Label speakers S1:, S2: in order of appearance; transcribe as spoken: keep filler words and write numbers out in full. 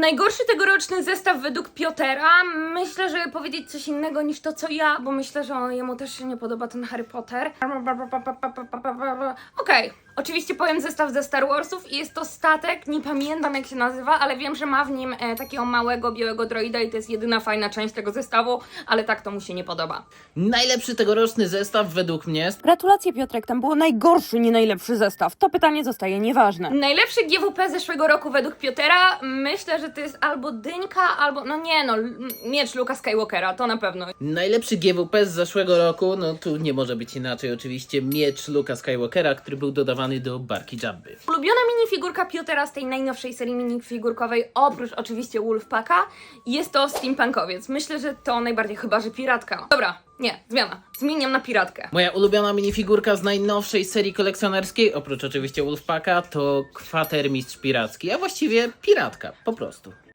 S1: Najgorszy tegoroczny zestaw według Piotera. Myślę, że powiedzieć coś innego niż to, co ja, bo myślę, że jemu też się nie podoba ten Harry Potter. Okej, okay. Oczywiście powiem zestaw ze Star Warsów i jest to statek, nie pamiętam jak się nazywa, ale wiem, że ma w nim e, takiego małego, białego droida i to jest jedyna fajna część tego zestawu, ale tak to mu się nie podoba.
S2: Najlepszy tegoroczny zestaw według mnie.
S3: Gratulacje, Piotrek, tam było najgorszy, nie najlepszy zestaw. To pytanie zostaje nieważne.
S1: Najlepszy G W P zeszłego roku według Piotera, myślę, że to jest albo Dyńka, albo, no nie no, miecz Luka Skywalkera, to na pewno.
S2: Najlepszy G W P z zeszłego roku, no tu nie może być inaczej oczywiście, miecz Luka Skywalkera, który był dodawany do barki Jabby.
S1: Ulubiona minifigurka Piotera z tej najnowszej serii minifigurkowej, oprócz oczywiście Wolfpacka, jest to steampunkowiec. Myślę, że to najbardziej, chyba że piratka. Dobra, nie, zmiana. Zmieniam na piratkę.
S2: Moja ulubiona minifigurka z najnowszej serii kolekcjonerskiej, oprócz oczywiście Wolfpacka, to kwatermistrz piracki, a właściwie piratka, po prostu.